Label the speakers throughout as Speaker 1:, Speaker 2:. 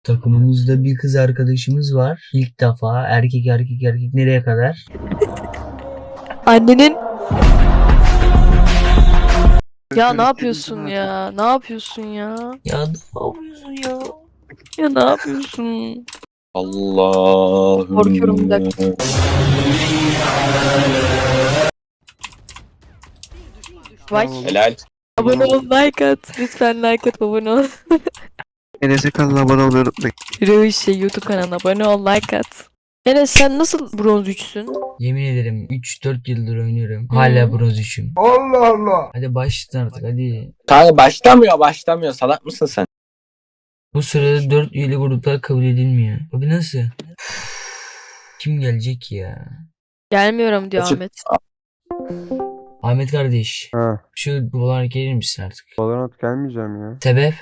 Speaker 1: Takımımızda bir kız arkadaşımız var. İlk defa erkek erkek erkek nereye kadar?
Speaker 2: Annenin... Ya ne yapıyorsun ya? Ne yapıyorsun ya?
Speaker 1: Ya ne yapıyorsun ya?
Speaker 2: Ya ne yapıyorsun?
Speaker 3: Allah'ım.
Speaker 2: Korkuyorum bir dakika. Vay.
Speaker 3: Helal.
Speaker 2: Abone ol, like at. Lütfen like at, abone ol.
Speaker 4: Enes'e kanalına abone olmayı unutmayın.
Speaker 2: Rövişe YouTube kanalına abone ol, like at. Enes sen nasıl bronz 3'sün?
Speaker 1: Yemin ederim 3-4 yıldır oynuyorum. Hala bronz 3'üm.
Speaker 4: Allah Allah.
Speaker 1: Hadi başlayın artık hadi.
Speaker 3: Kanka başlamıyor. Salak mısın sen?
Speaker 1: Bu sırada 4 üyeli gruplar kabul edilmiyor. Abi nasıl? Kim gelecek ya?
Speaker 2: Gelmiyorum diyor
Speaker 3: Açık.
Speaker 2: Ahmet.
Speaker 1: Ahmet kardeş.
Speaker 4: Ha,
Speaker 1: Şu buralara gelir misin artık?
Speaker 4: Valorant gelmeyeceğim ya.
Speaker 1: Sebep?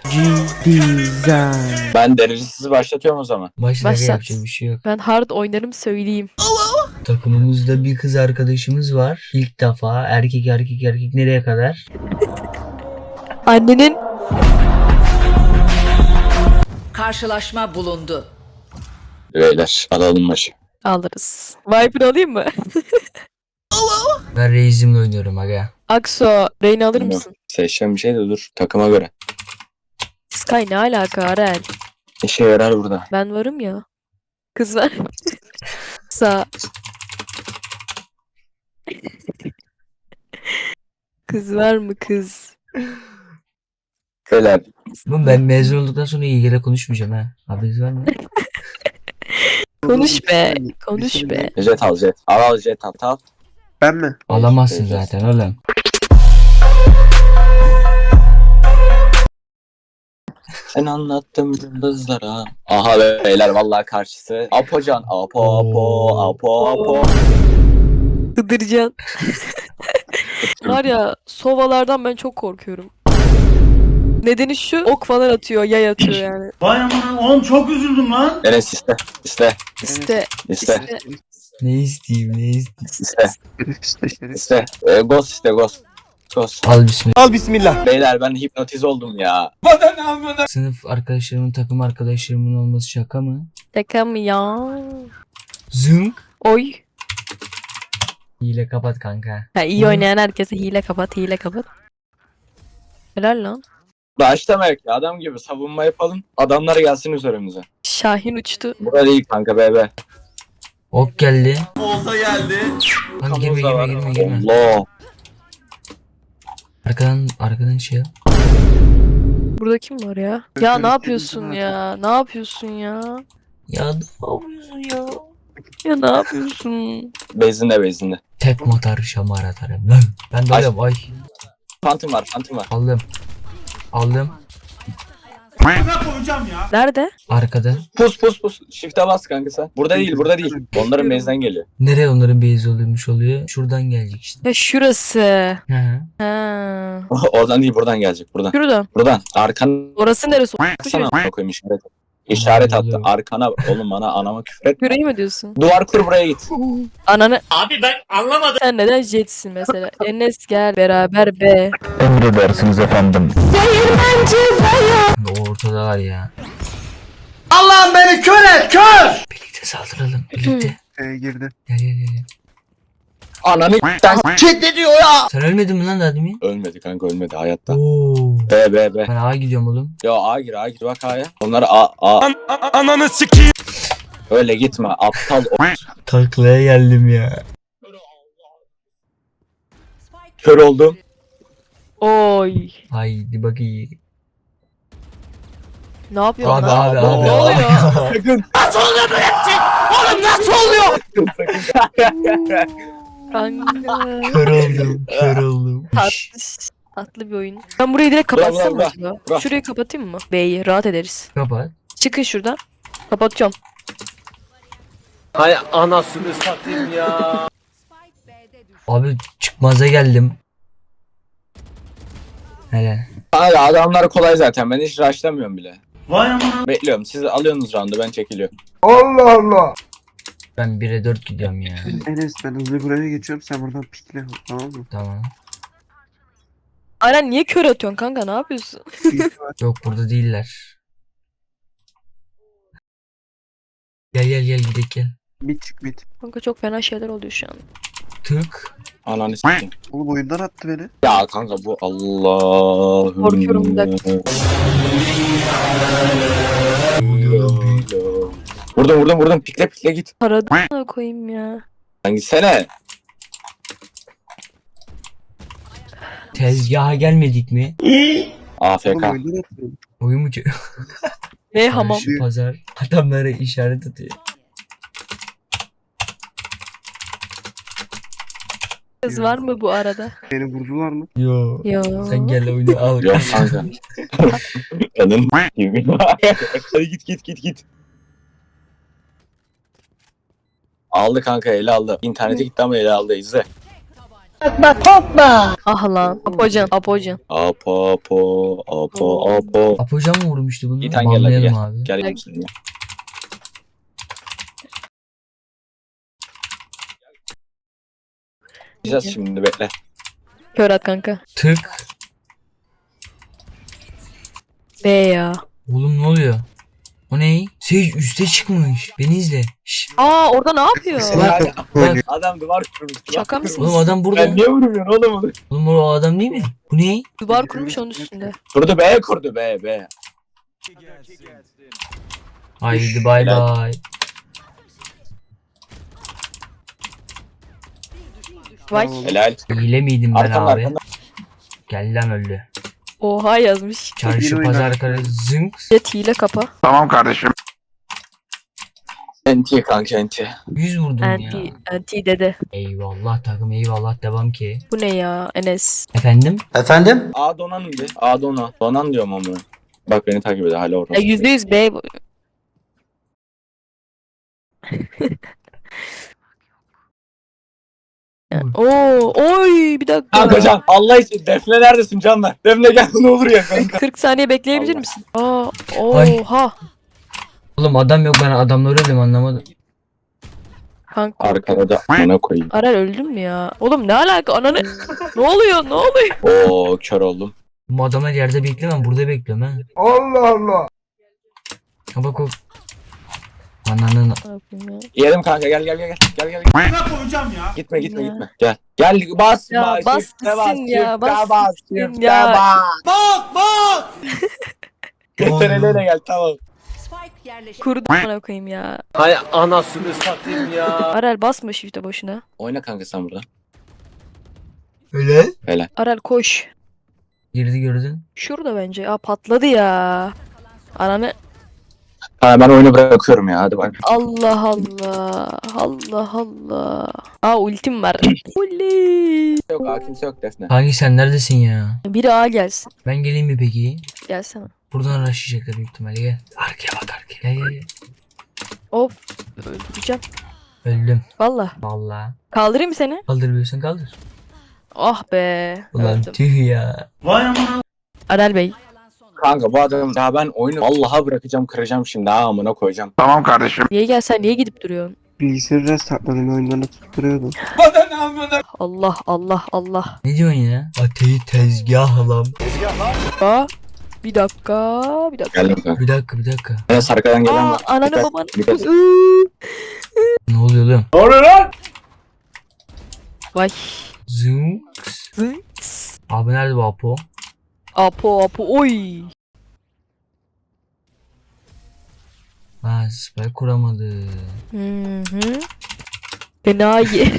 Speaker 3: Ben derecesiz başlatıyorum o zaman.
Speaker 1: Başta
Speaker 2: Başlat.
Speaker 1: yapacak bir şey yok.
Speaker 2: Ben hard oynarım söyleyeyim.
Speaker 1: Takımımızda bir kız arkadaşımız var. İlk defa erkek erkek erkek nereye kadar?
Speaker 2: Annenin...
Speaker 5: Karşılaşma bulundu.
Speaker 3: Beyler alalım maçı.
Speaker 2: Alırız. Viper alayım mı?
Speaker 1: Ben Reis'imle oynuyorum aga.
Speaker 2: Akso, Reyna alır
Speaker 3: Bilmiyorum.
Speaker 2: mısın?
Speaker 3: Seçeceğim bir şey de dur. Takıma göre.
Speaker 2: Sky ne alaka Arel?
Speaker 3: İşe yarar burada.
Speaker 2: Ben varım ya. Kız var. Sağ. Kız var mı kız?
Speaker 3: Beyler.
Speaker 1: Ama ben mezun olduktan sonra İlgili konuşmayacağım ha. Haberiniz var mı?
Speaker 2: Konuş be. Konuş be.
Speaker 3: Jet al jet. Al jet al.
Speaker 4: Ben mi?
Speaker 1: Alamazsın
Speaker 3: Evet.
Speaker 1: zaten oğlum.
Speaker 3: Sen anlattım yıldızlara. Aha beyler vallahi karşısı. Apocan. Apo.
Speaker 2: Hıdırcan. Var ya sovalardan ben çok korkuyorum. Nedeni şu ok falan atıyor, yay atıyor yani.
Speaker 6: Vay aman oğlum çok üzüldüm lan.
Speaker 3: Enes iste.
Speaker 2: İşte
Speaker 3: İste.
Speaker 1: Ne isteyeyim ne isteyeyim.
Speaker 3: İste.
Speaker 4: İşte.
Speaker 3: İste. Ghost iste ghost. Ghost.
Speaker 1: Al bismillah.
Speaker 4: Al bismillah.
Speaker 3: Beyler ben hipnotiz oldum ya.
Speaker 1: Sınıf arkadaşlarımın takım arkadaşlarımın olması şaka mı?
Speaker 2: şaka mı ya?
Speaker 1: Zınk.
Speaker 2: Oy.
Speaker 1: Hile kapat kanka.
Speaker 2: Ha, iyi oynayan herkese hile kapat, hile kapat. Helal lan.
Speaker 3: Başlamak ya adam gibi savunma yapalım. Adamlar gelsin üzerimize.
Speaker 2: Şahin uçtu.
Speaker 3: Burada değil kanka bebe.
Speaker 1: Ok geldi.
Speaker 6: Olta geldi.
Speaker 1: Lan girme.
Speaker 3: Allah.
Speaker 1: Arkadan şey yap.
Speaker 2: Burada kim var ya? Ya ne yapıyorsun ya? Ne yapıyorsun ya?
Speaker 1: Ya ne yapıyorsun ya?
Speaker 2: Ya ne yapıyorsun?
Speaker 3: Bezinde.
Speaker 1: Tek motor şamar atarım lan. Ben de öyle ay.
Speaker 3: Phantom var.
Speaker 1: Aldım.
Speaker 6: Ne koyacağım ya?
Speaker 2: Nerede?
Speaker 1: Arkada.
Speaker 3: Pus. Shift'e bas kanka sen. Burada değil. Onların base'den geliyor.
Speaker 1: Nereye onların base oluyormuş oluyor? Şuradan gelecek işte.
Speaker 2: Ya şurası.
Speaker 1: Hı hı.
Speaker 2: Ha.
Speaker 3: Oradan değil buradan gelecek.
Speaker 2: Şurada.
Speaker 3: Buradan. Arkana
Speaker 2: Orası neresi?
Speaker 3: sana koyayım işaret. İşaret attı.
Speaker 1: Anladım.
Speaker 3: Arkana oğlum bana anama küfret.
Speaker 2: Yüreği mi diyorsun?
Speaker 3: Duvar kur buraya git.
Speaker 2: Ananı...
Speaker 6: Abi ben anlamadım.
Speaker 2: Sen neden jetsin mesela? Enes gel beraber be.
Speaker 7: Emredersiniz efendim.
Speaker 1: O ortada var ya.
Speaker 6: Allah'ım beni kör et kör.
Speaker 1: Birlikte saldıralım. Birlikte.
Speaker 4: Girdi.
Speaker 1: Gel.
Speaker 3: Ananı sen
Speaker 6: Çet ne diyor ya?
Speaker 1: Sen ölmedin mi lan daha demin?
Speaker 3: ölmedi kanka ölmedi hayatta.
Speaker 1: Oo.
Speaker 3: Be.
Speaker 1: Ben A'ya gidiyorum oğlum.
Speaker 3: Yo A gir bak A'ya. Onları A.
Speaker 7: Ananı sikeyim.
Speaker 3: Öyle gitme aptal
Speaker 1: Taklaya geldim ya.
Speaker 3: kör oldum.
Speaker 2: Oy.
Speaker 1: Haydi bakayım.
Speaker 2: Ne yapıyorsun
Speaker 1: Abi
Speaker 2: lan?
Speaker 1: abi.
Speaker 2: Ne oluyor?
Speaker 3: Sakın.
Speaker 2: Kanka.
Speaker 1: Kör oldum.
Speaker 2: Tatlı. Tatlı bir oyun. Ben burayı direkt kapatsam mı
Speaker 3: Bırak.
Speaker 2: acaba?
Speaker 3: Bırak.
Speaker 2: Şurayı kapatayım mı? B'yi rahat ederiz.
Speaker 1: Kapat.
Speaker 2: Çıkın şuradan. Kapatıyorum.
Speaker 6: Hay anasını satayım ya.
Speaker 1: Abi çıkmaza geldim. Hele.
Speaker 3: Hala adamlar kolay zaten ben hiç rushlamıyorum bile.
Speaker 6: Vay aman.
Speaker 3: Bekliyorum siz alıyorsunuz roundu ben çekiliyorum.
Speaker 1: Ben 1'e 4 gidiyorum ya.
Speaker 4: Enes ben hızlı buraya geçiyorum sen buradan pikle tamam mı?
Speaker 1: Tamam.
Speaker 2: Aynen niye kör atıyorsun kanka ne yapıyorsun?
Speaker 1: Yok burada değiller. Gel gidelim gel.
Speaker 4: Bit çık bit.
Speaker 2: Kanka çok fena şeyler oluyor şu an.
Speaker 1: Tık.
Speaker 3: Ananı s**eyim.
Speaker 4: Oğlum oyundan attı beni.
Speaker 3: Ya kanka bu Allah'ım.
Speaker 2: Korkuyorum bir dakika.
Speaker 3: Vurdum. Pikle git.
Speaker 2: Paradına koyayım ya.
Speaker 3: Lan gitsene.
Speaker 1: Tezgaha gelmedik mi?
Speaker 4: Oğlum
Speaker 3: AFK.
Speaker 4: oyundan attı beni.
Speaker 1: Oyun mu?
Speaker 2: Ne hamam.
Speaker 1: Şu pazar. Adamlara işaret atıyor.
Speaker 2: Kız var mı bu arada?
Speaker 4: Beni vurdular mı?
Speaker 1: Yo.
Speaker 2: Yo.
Speaker 1: Sen gel oyunu al.
Speaker 3: Yok kanka. Kadın gibi. Hadi git. Aldı kanka eli aldı. İnternete gitti ama eli aldı izle.
Speaker 2: Ah lan. Apocan.
Speaker 3: Apo.
Speaker 1: Apocan mı vurmuştu bunu?
Speaker 3: İtan gel hadi
Speaker 1: Banlayalım
Speaker 3: gel.
Speaker 1: abi.
Speaker 3: Gel misin? Gideceğiz şimdi bekle.
Speaker 2: Kör at kanka.
Speaker 1: Tık.
Speaker 2: Be ya.
Speaker 1: Oğlum ne oluyor? O ne? Sage üste çıkmış. Beni izle. Şşş.
Speaker 2: Aa orada ne yapıyor?
Speaker 1: Bak.
Speaker 3: Adam duvar kurmuş.
Speaker 2: Şaka mısın?
Speaker 1: Oğlum adam burada.
Speaker 3: Ben niye vurmuyorsun oğlum onu?
Speaker 1: Oğlum o adam değil mi? Bu ne?
Speaker 2: Duvar kurmuş onun üstünde.
Speaker 3: Kurdu be.
Speaker 1: Haydi bay
Speaker 3: Helal.
Speaker 1: bay.
Speaker 2: Vay.
Speaker 3: Helal.
Speaker 1: Hile miydim ben
Speaker 3: Arkanda
Speaker 1: abi?
Speaker 3: arkanda.
Speaker 1: Gel lan öldü.
Speaker 2: Oha yazmış.
Speaker 1: Çarşı
Speaker 4: Yine
Speaker 1: pazar
Speaker 4: oynar.
Speaker 1: karı zınk.
Speaker 2: Jet hile kapa.
Speaker 3: Enti kanka enti.
Speaker 1: 100 vurdum
Speaker 2: Anti dede.
Speaker 1: Eyvallah takım eyvallah devam ki.
Speaker 2: Bu ne ya Enes?
Speaker 1: Efendim?
Speaker 6: Efendim?
Speaker 3: A donanım bir. A dona. Donan diyorum ama. Bak beni takip ediyor hala orada.
Speaker 2: Ya %100 B. Ya, Oo, oy bir dakika.
Speaker 3: Kanka Can Allah için Defne neredesin Canlar? Defne gel ne olur ya kanka.
Speaker 2: 40 saniye bekleyebilir
Speaker 3: Allah.
Speaker 2: misin? Aa,
Speaker 1: Ay.
Speaker 2: oha.
Speaker 1: Oğlum adam yok ben adamları öldüm anlamadım.
Speaker 2: Kanka.
Speaker 3: Arkada da ona koyayım.
Speaker 2: Arar öldün mü ya? Oğlum ne alaka ananı? Ne oluyor?
Speaker 3: Oo kör oldum.
Speaker 1: Bu adamlar yerde beklemem burada bekliyorum ha.
Speaker 6: Allah Allah.
Speaker 1: Ha bak o. Ananın.
Speaker 2: Ne yapayım ya?
Speaker 3: Yedim kanka gel. Gitme. Gel. Gel bas.
Speaker 2: Ya bas
Speaker 3: çifte
Speaker 2: gitsin ya,
Speaker 3: çifte
Speaker 2: bas gitsin
Speaker 3: çifte
Speaker 2: ya.
Speaker 3: bas. Yeter ele gel tamam.
Speaker 5: Spike yerleşik.
Speaker 2: Kurdu bana koyayım ya.
Speaker 6: Hay anasını satayım ya.
Speaker 2: Aral basma shift'e boşuna.
Speaker 3: Oyna kanka sen burada.
Speaker 1: Öyle.
Speaker 3: Helal.
Speaker 2: Aral koş.
Speaker 1: Girdi gördün.
Speaker 2: Şurada bence. Aa patladı ya. Ananı.
Speaker 3: Ha, ben oyunu bırakıyorum ya hadi bak.
Speaker 2: Allah Allah. Allah Allah. Aa ultim var. Ulti.
Speaker 3: Kimse yok Defne.
Speaker 1: Hangi sen neredesin ya?
Speaker 2: Biri A gelsin.
Speaker 1: Ben geleyim mi peki?
Speaker 2: Gelsene.
Speaker 1: Buradan araştıracaklar büyük ihtimalle gel. Arkaya bak arkaya. Gel.
Speaker 2: Of. Öldüreceğim.
Speaker 1: Öldüm.
Speaker 2: Valla.
Speaker 1: Vallahi.
Speaker 2: Kaldırayım mı seni?
Speaker 1: Kaldırabiliyorsan kaldır.
Speaker 2: Ah be.
Speaker 1: Ulan
Speaker 2: Öldüm.
Speaker 1: tüh ya.
Speaker 2: Aral Bey.
Speaker 3: Kanka bu adam daha ben oyunu Allah'a bırakacağım kıracağım şimdi ha amına koyacağım.
Speaker 2: Niye gelsen niye gidip duruyorsun?
Speaker 4: Bilgisayarı restartladım oyundan atıp duruyordum.
Speaker 2: Allah Allah Allah.
Speaker 1: Ne diyorsun ya? Ateyi tezgahlam.
Speaker 2: Aa, bir dakika.
Speaker 3: Geldim kanka.
Speaker 1: Bir dakika.
Speaker 3: Enes arkadan gelen
Speaker 2: Aa
Speaker 3: var.
Speaker 2: ananı
Speaker 3: Dikkat,
Speaker 2: babanı.
Speaker 3: dikkat.
Speaker 1: Ne oluyor oğlum?
Speaker 2: Vay.
Speaker 1: Zoom.
Speaker 2: Zınks.
Speaker 1: Abi nerede bu Apo?
Speaker 2: Apo oy.
Speaker 1: Ha spike kuramadı.
Speaker 2: Hı. Fena ye.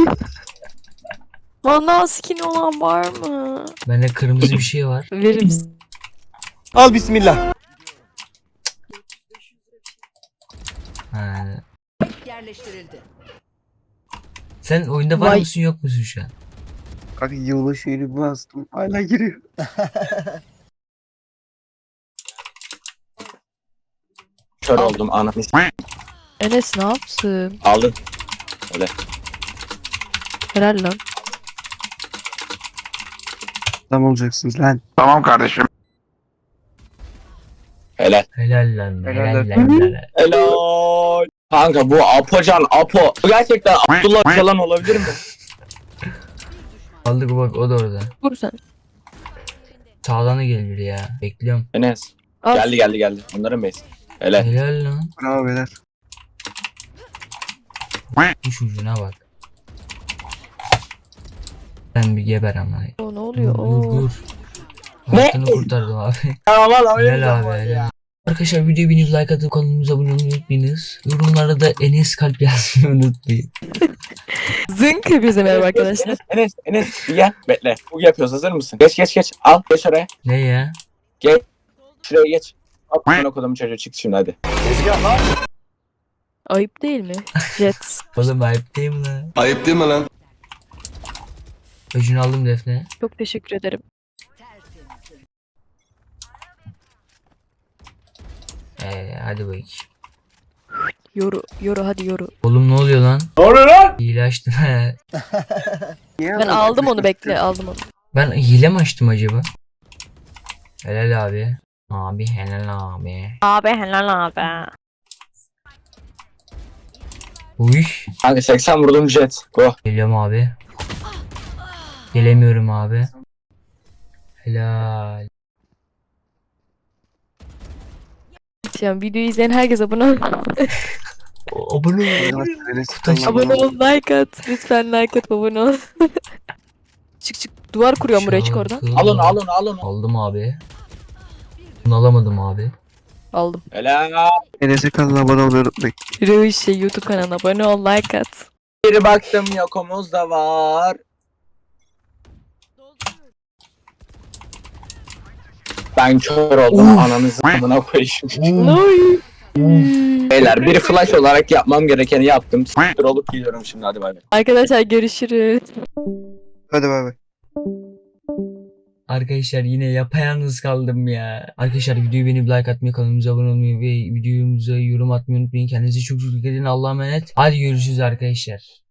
Speaker 2: Bana skin olan var mı?
Speaker 1: Bende kırmızı bir şey var.
Speaker 2: Verir misin?
Speaker 6: Al bismillah.
Speaker 1: Ha.
Speaker 5: Yerleştirildi.
Speaker 1: Sen oyunda var
Speaker 2: Vay.
Speaker 1: mısın yok musun şu an?
Speaker 4: Kanka yılı şeyini bastım. Hala giriyor.
Speaker 3: Kör oldum ananı s-
Speaker 2: Enes ne yapsın?
Speaker 3: aldın.
Speaker 2: Helal lan.
Speaker 4: Adam olacaksınız lan.
Speaker 3: Helal.
Speaker 1: Helal lan.
Speaker 4: Helal
Speaker 1: Helal
Speaker 4: lan.
Speaker 1: lan.
Speaker 3: Helal. Kanka bu Apocan Apo. Bu gerçekten Abdullah Öcalan olabilir mi?
Speaker 1: Aldık bak o da orada.
Speaker 2: Vur sen.
Speaker 1: Sağdan da gelir ya. Bekliyorum.
Speaker 3: Enes.
Speaker 2: Al.
Speaker 3: Geldi. Onların base. Helal.
Speaker 1: Helal lan.
Speaker 4: Bravo beyler.
Speaker 1: Kuş ucuna bak. Sen bir geber ama.
Speaker 2: O ne oluyor?
Speaker 1: Dur
Speaker 2: Oo.
Speaker 1: dur. Hayatını kurtardım abi.
Speaker 3: Ya valla
Speaker 1: Helal abi helal. Arkadaşlar videoyu beğenip like atıp kanalımıza abone olmayı unutmayınız. Yorumlara da Enes kalp yazmayı unutmayın.
Speaker 2: Zınk hepinize merhaba arkadaşlar.
Speaker 3: Enes bir gel bekle. Bu yapıyoruz, hazır mısın? Geç al geç oraya.
Speaker 1: Ne ya?
Speaker 3: Şuraya geç. Hop ben okudum, çocuğu çık şimdi hadi.
Speaker 2: Ayıp değil mi? Jet.
Speaker 1: Oğlum ayıp değil mi lan?
Speaker 6: Ayıp değil mi lan?
Speaker 1: Öcünü aldım Defne.
Speaker 2: Çok teşekkür ederim.
Speaker 1: Hadi bakayım.
Speaker 2: Yoru hadi yoru.
Speaker 1: Oğlum ne oluyor lan?
Speaker 3: Ne oluyor lan?
Speaker 1: Hile açtım he.
Speaker 4: Niye
Speaker 2: Ben
Speaker 4: ama
Speaker 2: aldım
Speaker 4: küfür
Speaker 2: onu, bekle
Speaker 4: ediyorsun?
Speaker 2: aldım onu.
Speaker 1: Ben hile mi açtım acaba? Helal abi. Abi helal abi.
Speaker 2: Abi helal abi.
Speaker 1: Uy.
Speaker 3: Kanka 80 vurdum jet. Go.
Speaker 1: Geliyorum abi. Gelemiyorum abi. Helal.
Speaker 2: Yani videoyu izleyen herkes abone ol.
Speaker 1: Abone ol.
Speaker 4: Arkadaşlar, Enes
Speaker 1: Kutaş-
Speaker 4: kanalına
Speaker 2: Abone ol, like at. Lütfen like at, abone ol. çık. Duvar kuruyorum buraya, çık oradan.
Speaker 1: Şarkı-
Speaker 3: Al onu.
Speaker 1: Aldım abi. Bunu alamadım abi.
Speaker 2: Aldım.
Speaker 3: Helal.
Speaker 4: Enes'e kanalına abone olmayı unutmayın.
Speaker 2: Rövüşe YouTube kanalına abone ol, like at.
Speaker 3: Bir baktım yokumuz da var. Ben kör oldum, ananızı amına koyayım.
Speaker 2: Oy.
Speaker 3: Beyler bir flash olarak yapmam gerekeni yaptım. S**tir olup gidiyorum şimdi, hadi bay bay.
Speaker 2: Arkadaşlar görüşürüz.
Speaker 4: Hadi bay bay.
Speaker 1: Arkadaşlar yine yapayalnız kaldım ya. Arkadaşlar videoyu beğenip like atmayı, kanalımıza abone olmayı ve videomuza yorum atmayı unutmayın. Kendinize çok çok dikkat edin. Allah'a emanet. Hadi görüşürüz arkadaşlar.